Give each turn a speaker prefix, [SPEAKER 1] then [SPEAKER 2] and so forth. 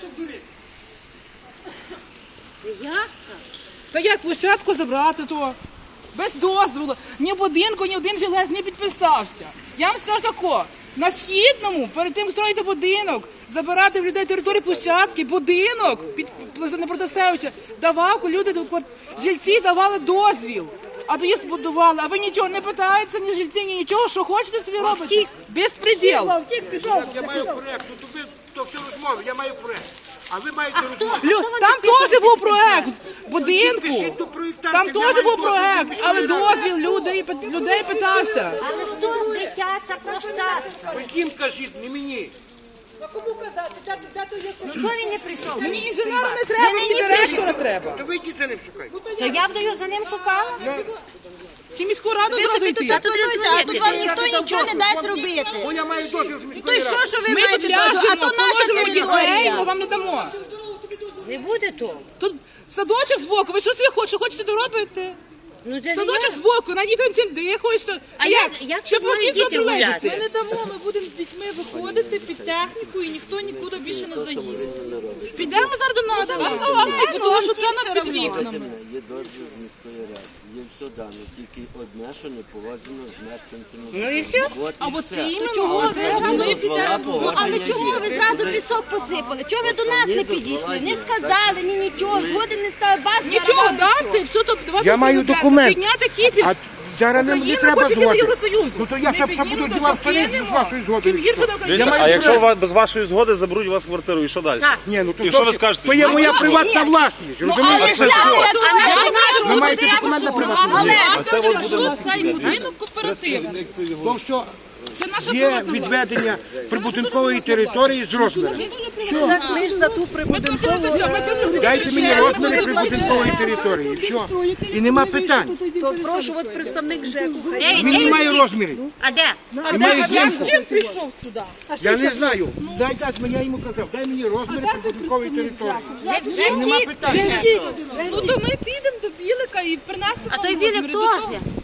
[SPEAKER 1] Як?
[SPEAKER 2] Та як площадку забрати то? Без дозволу. Ні будинку, ні один жилець не підписався. Я вам скажу тако, на Східному, перед тим, як строїти будинок, забирати в людей території площадки, будинок під на Протасевича, давав, люди, жильці давали дозвіл. А тоді збудували, а ви нічого не питаєтеся, ні жильці, ні нічого, що хочете собі робите? Безпреділ.
[SPEAKER 3] Я маю проєкт, ну то ви то все розмови, я маю проєкт. А ви маєте розмови.
[SPEAKER 2] Там теж був проект будинку,
[SPEAKER 3] Підпишіть до проєктантів,
[SPEAKER 2] там
[SPEAKER 3] я
[SPEAKER 2] теж
[SPEAKER 3] маю
[SPEAKER 2] був
[SPEAKER 3] дозвіл
[SPEAKER 2] проект,
[SPEAKER 3] міської
[SPEAKER 2] але
[SPEAKER 3] ради.
[SPEAKER 2] дозвіл людей питався.
[SPEAKER 1] Але ж тут дитяча площадка.
[SPEAKER 3] Ви їм кажіть, не мені.
[SPEAKER 1] Ну чого він не прийшов?
[SPEAKER 2] Мені інженера не треба, мені директора треба.
[SPEAKER 3] То ви йдіть за ним шукайте.
[SPEAKER 1] То я б за ним шукала.
[SPEAKER 2] Чи міську раду зразу йти?
[SPEAKER 4] А тут вам ніхто нічого не дасть робити.
[SPEAKER 3] Бо я маю дозвіл з
[SPEAKER 4] То
[SPEAKER 3] міської
[SPEAKER 4] й
[SPEAKER 3] ради.
[SPEAKER 4] що ви
[SPEAKER 2] Ми
[SPEAKER 4] маєте
[SPEAKER 2] тут
[SPEAKER 4] дозвіл? А
[SPEAKER 2] ляжемо,
[SPEAKER 4] то наша
[SPEAKER 2] положимо дітей, ми
[SPEAKER 4] територія.
[SPEAKER 2] вам не дамо.
[SPEAKER 1] Не буде того.
[SPEAKER 2] Тут садочок збоку, ви що собі хочете доробити?
[SPEAKER 1] Ну, це
[SPEAKER 2] Садочок збоку, на дітям цим дихаєш.
[SPEAKER 1] А як
[SPEAKER 2] Щоб
[SPEAKER 1] можуть
[SPEAKER 2] усі
[SPEAKER 1] діти гуляти?
[SPEAKER 2] тролейбуси.
[SPEAKER 5] Ми не дамо, ми будемо з дітьми виходити під техніку і ніхто нікуди більше не заїде.
[SPEAKER 2] Підемо зараз до нас.
[SPEAKER 5] Бо тому що це на під вікнами.
[SPEAKER 6] Є дозвіл з міської ради, є все дано, тільки одне, що не погоджено з мешканцями.
[SPEAKER 1] Ну і все.
[SPEAKER 6] От і все.
[SPEAKER 5] Іменно, чого ви підемо?
[SPEAKER 4] Але чому ви зразу пісок посипали? Чого ви до нас не підійшли? Не сказали, ні нічого. Згоден не став вас.
[SPEAKER 2] Нічого дати, все то давайте.
[SPEAKER 3] Я маю документ.
[SPEAKER 2] Підняти кіпіш.
[SPEAKER 3] А зараз не
[SPEAKER 2] Україна
[SPEAKER 3] треба
[SPEAKER 2] хоче йти до
[SPEAKER 3] звати.
[SPEAKER 2] Євросоюзу.
[SPEAKER 3] Ну то я
[SPEAKER 2] Не
[SPEAKER 3] ще
[SPEAKER 2] піднімемо,
[SPEAKER 3] буду
[SPEAKER 2] то
[SPEAKER 3] дівав
[SPEAKER 2] скинемо.
[SPEAKER 3] штани з вашої згоди.
[SPEAKER 2] Чим гірше, то
[SPEAKER 3] Я маю
[SPEAKER 7] А якщо
[SPEAKER 3] проект.
[SPEAKER 7] без вашої згоди заберуть у вас квартиру, і що далі?
[SPEAKER 3] Ні, ну то
[SPEAKER 7] І що ви
[SPEAKER 3] зовсім-
[SPEAKER 7] скажете?
[SPEAKER 3] То є моя приватна власність, розумієте?
[SPEAKER 7] А це що?
[SPEAKER 3] Ви маєте документ на приватну власність.
[SPEAKER 5] А це от буде цей будинок кооперативний.
[SPEAKER 3] То все.
[SPEAKER 2] Це наша
[SPEAKER 3] Є
[SPEAKER 2] приватна
[SPEAKER 3] відведення прибудинкової території з розміром.
[SPEAKER 2] Ми ж за ту прибудинкову.
[SPEAKER 3] Дайте мені розміри прибудинкової території. Все. І нема питань.
[SPEAKER 5] То прошу, от представник ЖЕКу.
[SPEAKER 3] Він не має розмірів.
[SPEAKER 1] А де?
[SPEAKER 3] Немає знімку.
[SPEAKER 5] Чим прийшов сюди?
[SPEAKER 3] Я не знаю. Дай я йому казав, дай мені розміри прибудинкової території. Нема питань.
[SPEAKER 5] Ну то ми підемо до Білика і принесемо.
[SPEAKER 1] А той Білик
[SPEAKER 5] розміри до того.
[SPEAKER 1] теж.